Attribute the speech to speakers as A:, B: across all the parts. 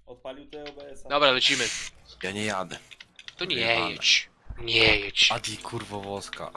A: Odpalił te OBS-a.
B: Dobra, lecimy.
C: Ja nie jadę.
B: To nie
C: Wyjebane.
B: jedź. Nie jedź.
C: Adi, kurwo woska.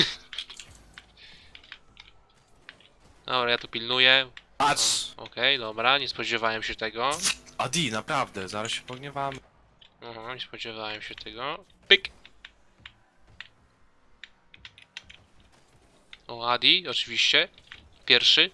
B: Dobra, ja tu pilnuję.
C: Patrz!
B: Okej, dobra, nie spodziewałem się tego.
C: Adi, naprawdę, zaraz się pogniewamy.
B: Aha, nie spodziewałem się tego. Pyk! O, Adi, oczywiście. Pierwszy.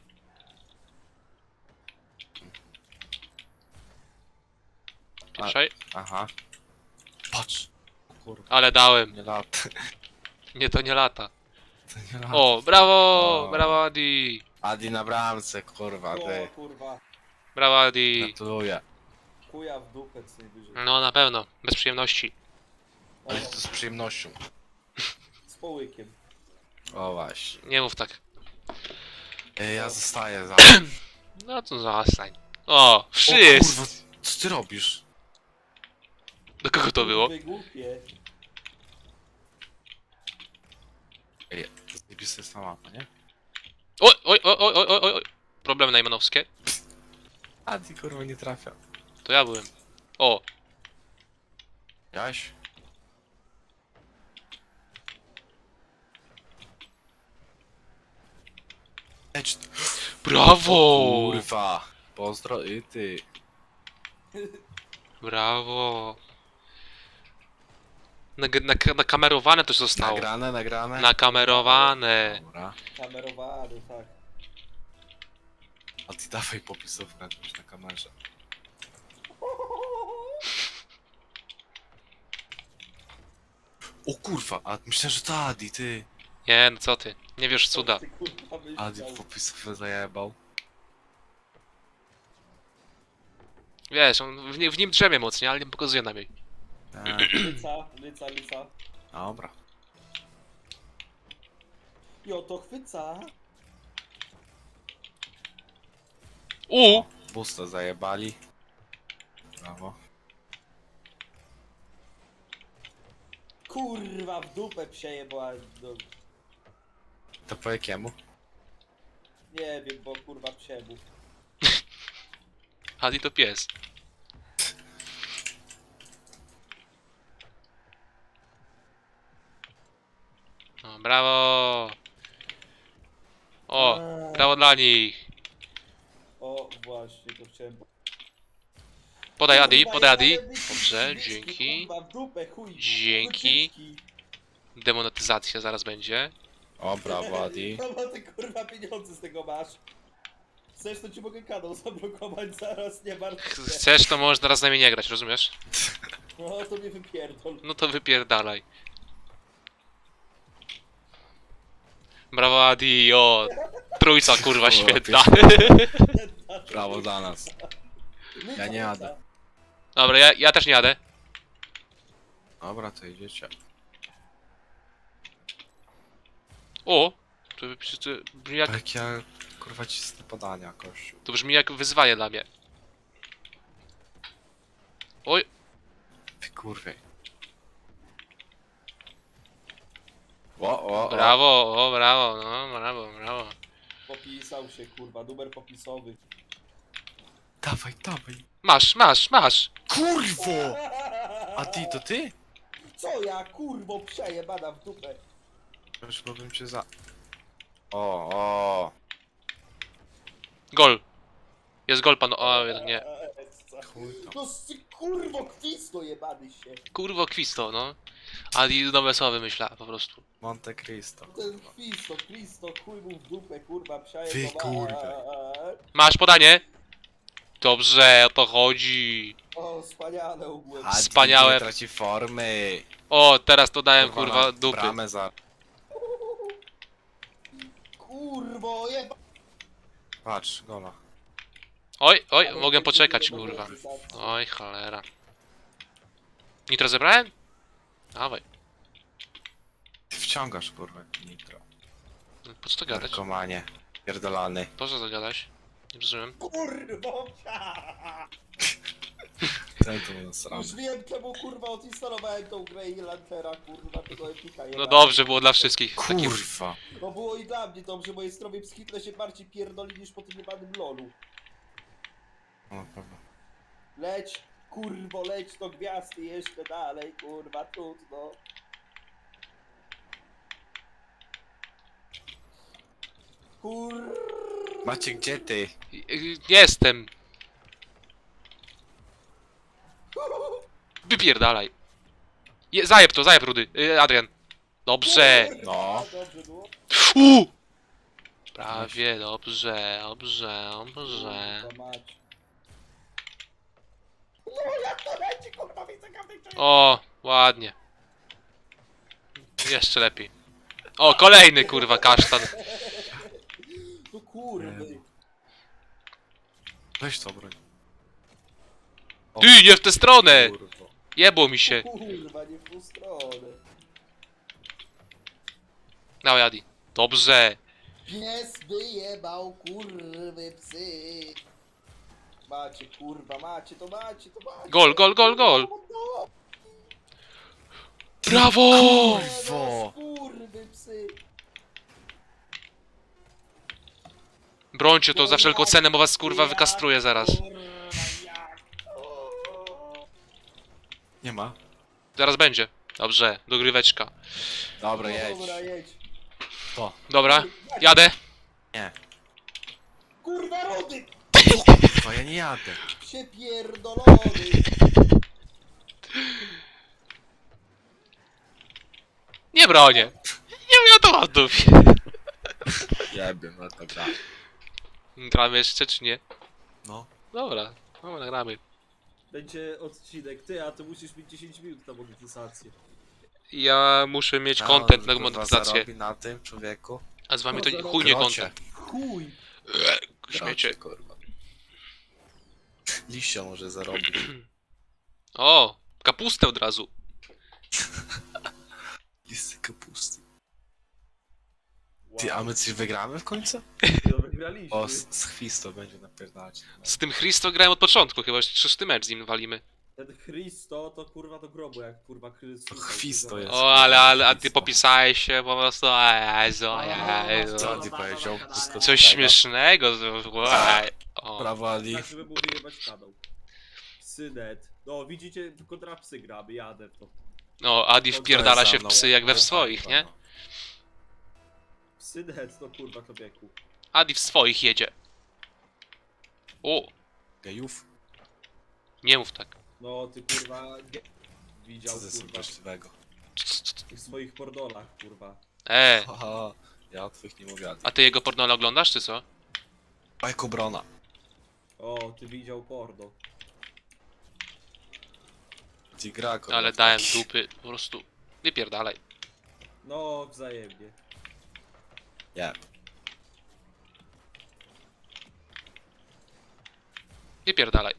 B: Pierwszej.
C: Aha. Patrz. Kurwa,
B: Ale dałem.
C: nie lata.
B: Nie, to nie lata.
C: To nie lata.
B: O, brawo!
C: O.
B: Brawo, Adi!
C: Adi na bramce, kurwa,
A: O
C: ty.
A: kurwa.
B: Brawo, Adi!
C: Gratuluję.
A: Chuja w dupę co najwyżej.
B: No, na pewno. Bez przyjemności.
C: Ale to z przyjemnością.
A: Z połykiem.
C: O właśnie.
B: Nie mów tak.
C: Ja zostaję za...
B: No to zastań. O,
C: O kurwa,
B: wszyscy!
C: co ty robisz?
B: Do kogo to było?
A: Kurwy głupie.
C: Ej, zjebis jest na mapę, nie?
B: Oj, oj, oj, oj, oj, oj, oj. Problemy najmanowskie.
C: Adi, kurwa, nie trafia.
B: To ja byłem. O,
C: Jaś? Ecz...
B: brawo!
C: Kurwa. Pozdro i ty.
B: Brawo. Nakamerowane to zostało.
C: Nagrane, nagrane?
B: Nakamerowane.
C: Dobra.
A: Kamerowany, tak.
C: A ty dawaj popisówkę jakąś na kamerze. O kurwa, a myślę, że to Adi, ty.
B: Nie, no co ty? Nie wiesz cuda.
A: Ty, kurwa, byś
C: Adi
A: chciał.
C: popisówkę zajebał.
B: Wiesz, on w nim drzemie mocniej, ale nie pokazuje nam jej.
A: Lyca.
C: Dobra.
A: Jo, to chwyca.
C: Busta zajebali. Brawo.
A: Kurwa, w dupę przejebała. No,
C: To po jakiemu?
A: nie wiem, bo kurwa przebuch.
B: Adi to pies. No, brawo! O, brawo dla nich!
A: O, właśnie, to chciałem...
B: Podaj Adi,
A: Kurwa,
B: podaj Adi.
A: jebane dyski,
B: Dobrze,
A: dyski,
B: dzięki.
A: Kurwa, w dupę, chuj.
B: Dzięki.
A: Dyski.
B: Demonetyzacja zaraz będzie.
C: O, brawo Adi.
A: No ty kurwa pieniądze z tego masz. Chcesz, to ci mogę kanał zablokować zaraz, nie martw się.
B: Chcesz, to możesz teraz z nami nie grać, rozumiesz?
A: No to mnie wypierdol.
B: No to wypierdalaj. Brawo Adi, o! Trójca kurwa świetna.
C: Brawo dla nas. Ja nie jadę.
B: Dobra, ja też nie jadę.
C: Dobra, to idziecie.
B: O! To brzmi jak,
C: Jak ja, kurwa, cisnę podania, kościół.
B: to brzmi jak wyzwanie dla mnie. Oj!
C: Ty kurwie. O.
B: Brawo, o brawo, no brawo.
A: Popisał się kurwa, numer popisowy.
C: Dawaj.
B: Masz!
C: Kurwo! A ty, to ty?
A: Co ja kurwo przejebana w dupę.
C: Już bym cię za... O.
B: Gol! Jest gol pan, o nie.
C: Chuj tam.
A: No ty kurwo kwisto jebany się.
B: Kurwo kwisto, no. Adi nowe słowa wymyśla po prostu.
C: Monte Cristo.
A: Ten Cristo, chuj mu w dupę kurwa
C: Wy
A: przejebana.
C: kurwa.
B: Masz podanie? Dobrze, o to chodzi.
A: O, wspaniale ogólnie.
C: Adi
B: Wspaniałe.
C: nie traci formy.
B: O, teraz to dałem kurwa
C: na
B: dupy.
C: Bramę za...
A: Kurwo jeba.
C: Patrz, gola.
B: Oj, mogę poczekać kurwa. Oj, cholera. Nitro zebrałem? Dawaj.
C: Ty wciągasz, kurwa, nitro.
B: Po co to gadać?
C: Narkomanie. Pierdolany.
B: Po co to gadać? Nie rozumiem.
A: Kurwo.
C: Ten tu nasrany.
A: Już wiem czemu kurwa odinstalowałem tą grę i launchera kurwa tego Epika.
B: No dobrze, było dla wszystkich. Taki...
C: Kurwa.
A: No było i dla mnie dobrze, moje zdrowie psychiczne się bardziej pierdoli niż po tym jebanym lolu.
C: O, dobra.
A: Leć. Kurwo, leć do gwiazdy jeszcze dalej, kurwa, trudno.
C: Macie gdzie ty?
B: Jestem. Wypierdalaj. Zajeb rudy. Adrian. Dobrze.
C: No.
A: Dobrze było?
B: Prawie, dobrze, dobrze.
A: Kurwa mać. No jak to leci, kurwa, widzę każdej części.
B: O, ładnie. Jeszcze lepiej. O, kolejny kurwa kasztan.
A: No kurwy.
C: Weź to broń.
B: Ty, nie w tę stronę!
C: Kurwo.
B: Jebło mi się.
A: Kurwa, nie w tą stronę.
B: Dawaj, Adi. Dobrze.
A: Pies wyjebał, kurwy psy. Macie, kurwa, macie, to macie.
B: Gol, gol, gol, gol.
A: No,
B: Brawo!
C: Kurwo.
A: kurwy psy.
B: Brońcie to za wszelką cenę, bo was kurwa wykastruję zaraz.
A: Kurwa, jak? O.
C: Nie ma.
B: Zaraz będzie. Dobrze, dogryweczka.
C: Dobra, jedź.
A: Dobra, jedź.
C: To.
B: Dobra, jadę.
C: Nie.
A: Kurwa, rody!
C: Kurwa, ja nie jadę.
A: Przepierdolony.
B: Nie bronię. Nie wiadomo, dupie.
C: Jebie, no to gra.
B: Gramy jeszcze czy nie?
C: No.
B: Dobra, no nagramy.
A: Będzie odcinek, ty, a ty musisz mieć 10 minut na monetyzację.
B: Ja muszę mieć
C: A
B: content
C: on,
B: na
C: kurwa,
B: monetyzację.
C: zarobi na tym, człowieku.
B: A z wami to
A: No,
B: chuj nie
C: Grocie.
B: content.
A: Chuj!
B: Śmiecie.
C: Kurwa. Liścia może zarobić.
B: O, kapustę od razu.
C: Listy kapusty.
A: Wow.
C: Ty, a my coś wygramy w końcu?
A: No, wygraliśmy.
C: O, z Chwisto będzie napierdalać.
B: Z tym Christo grałem od początku, chyba jeszcze 6 mecz z nim walimy.
A: Ten Christo to kurwa do grobu, jak kurwa Chrystus.
C: To Chwisto jest.
B: O, a ty popisałeś się po prostu, Jezu, Jezu.
C: Co ty powiedział? Wszystko
B: Coś śmiesznego, o.
C: Brawo, Ali.
A: Tak, żeby mu wyjebać kanał. Synet. No, widzicie, kontra psy gramy, jadę w to.
B: No, Adi wpierdala się w psy jak we w swoich, nie?
A: Synet, no kurwa, człowieku.
B: Adi w swoich jedzie. O,
C: Gejów?
B: nie mów tak.
A: No, ty kurwa, widział,
C: Co to jest
A: kurwa,
C: właściwego?
A: w tych swoich pordolach, kurwa.
C: Haha, ja o twych nie mówię.
B: A ty jego pornole oglądasz, czy co?
C: Bajko Brona.
A: O, ty widział porno.
C: Ci gra, kurwa.
B: Ale dałem dupy, po prostu. Wypierdalaj.
A: No, wzajemnie.
C: Nie.
B: Wypierdalaj.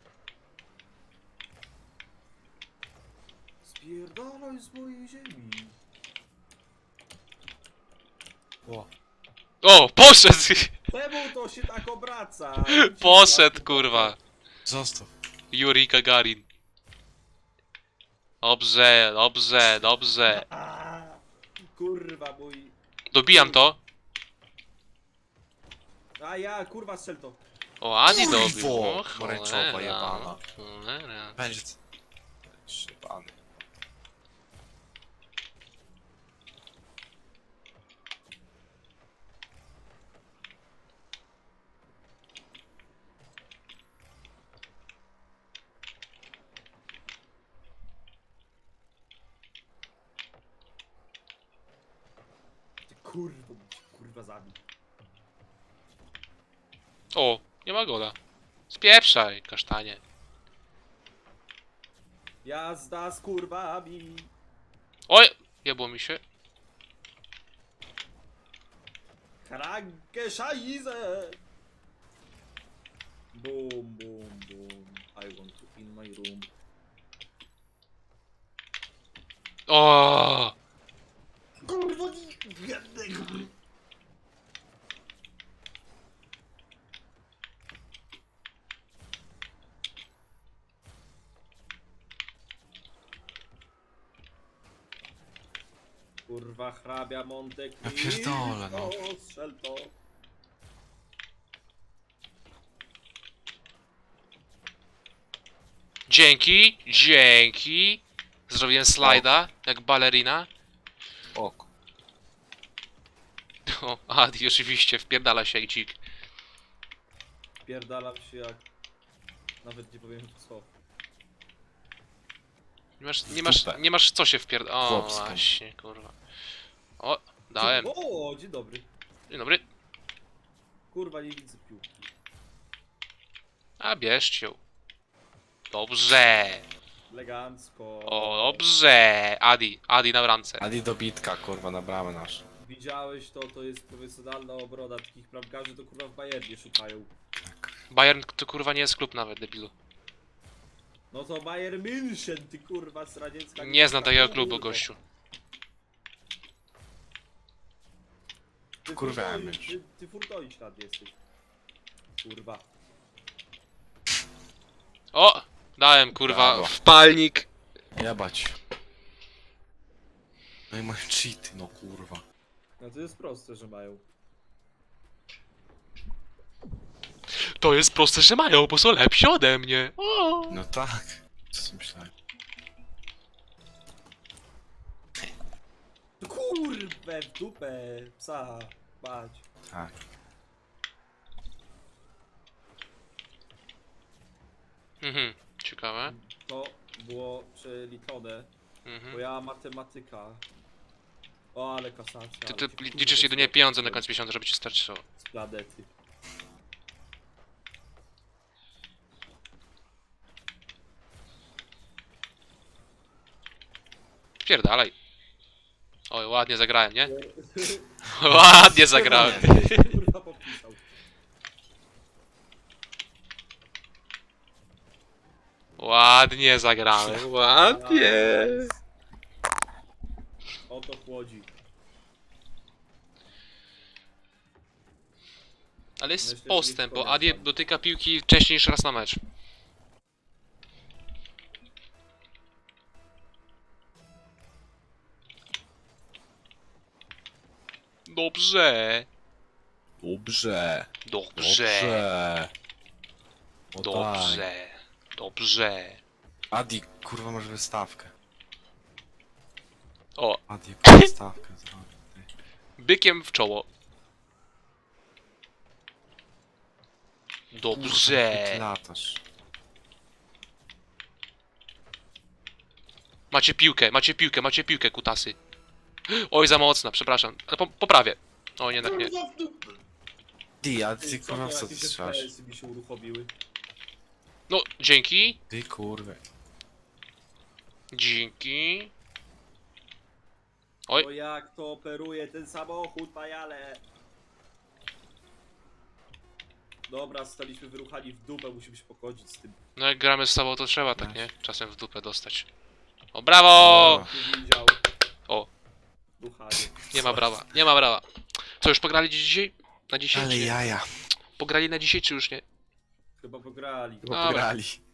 A: Spierdalaj z mojej ziemi.
C: O,
B: O, poszedł!
A: Czemu to się tak obraca?
B: Poszedł, kurwa.
C: zostaw.
B: Yuri Gagarin. Dobrze, dobrze, dobrze.
A: A, kurwa mój.
B: Dobijam to.
A: A ja, kurwa, strzel to.
B: O, Adi
C: Kurwo,
B: dobił. O,
C: pomarańczowa
B: cholera,
C: jebana.
B: cholera.
C: Będzie... Szybany.
A: Ty kurwa, kurwa zabił.
B: O, nie ma gola. Spieprzaj, kasztanie.
A: Jazda z kurwami.
B: Oj, jebło mi się.
A: Krankę szajzę. Boom, boom, boom. I want to in my room.
B: O,
A: Kurwa, jednego. Kurwa, hrabia Monte
C: Ja pierdolę, no.
A: Strzel to.
B: Dzięki, dzięki. Zrobiłem slajda, jak balerina.
C: Ok.
B: O, Adi oczywiście, wpierdala się jak dzik.
A: Pierdalam się jak... Nawet nie powiem co.
B: Nie masz co się wpierdala. O,
C: Chłopsko.
B: właśnie, kurwa. O, dałem.
A: O, dzień dobry.
B: Dzień dobry.
A: Kurwa, nie widzę piłki.
B: A bierzcie ją. Dobrze.
A: Elegancko.
B: O, dobrze. Adi na bramce.
C: Adi dobitka, kurwa, na bramę nasz.
A: Widziałeś to, to jest profesjonalna obrona. Takich bramkarzy to kurwa w Bayernie szukają.
B: Bayern to kurwa nie jest klub nawet, debilu.
A: No to Bayern München, ty kurwa z radziecka.
B: Nie znam takiego
A: kurwa.
B: klubu, gościu.
A: Ty
C: Kurwa,
A: Furtoi-
C: mysz.
A: Ty Furtoi jesteś. Kurwa.
B: O! Dałem kurwa
C: Brawo.
B: wpalnik.
C: Jebać. No i mają cheaty, no kurwa.
A: No to jest proste, że mają.
B: To jest proste, że mają, bo są lepsi ode mnie. O!
C: No tak. Co sobie myślałem?
A: Kurwę w dupę, psa, bać.
C: Tak.
B: Mhm, ciekawe.
A: To było przeliczone, bo
B: Mhm.
A: ja matematyka. O, ale kasacja.
B: Ty
A: ale cię, kurwa,
B: liczysz jedynie pieniądze na końcu miesiąca, żeby ci starczyło.
A: Z planety.
B: Spierdalaj. Oj, ładnie zagrałem, nie? Ładnie zagrałem.
A: Kurwa popisał.
B: Ładnie zagrałem, ładnie.
A: O to chłodzi.
B: Ale jest
A: Myślę, że
B: postęp,
A: nie
B: bo Adi
A: powiem.
B: dotyka piłki wcześniej niż raz na mecz. Dobrze.
C: Dobrze.
B: Dobrze.
C: O tak.
B: Dobrze. Dobrze.
C: Adi, kurwa, masz wystawkę.
B: O,
C: Adi, jaką wystawkę zrobił.
B: bykiem w czoło.
C: Ty
B: Dobrze.
C: latasz.
B: Macie piłkę, kutasy. Oj, za mocna, przepraszam. Ale poprawię. O, jednak nie.
A: Kurwa w dupę.
C: Ty, a ty
A: Co,
C: kurwa w
A: to
C: co ty
A: jakieś
C: strzelasz?
A: FPS-y mi się uruchomiły.
B: No, dzięki.
C: Ty kurwa.
B: Dzięki. Oj.
A: O jak to operuje ten samochód, pajale. Dobra, zostaliśmy wyruchani w dupę, musimy się pogodzić z tym.
B: No jak gramy z sobą, to trzeba tak, nie? Czasem w dupę dostać. O, brawo!
A: Nie widział.
B: O.
A: Ruchanie.
B: Nie ma brawa, nie ma brawa. Co, już pograli dzisiaj? Na dzisiaj?
C: Ale
B: czy nie?
C: jaja.
B: Pograli na dzisiaj, czy już nie?
A: Chyba pograli.
C: Chyba
B: Dobra.
C: pograli.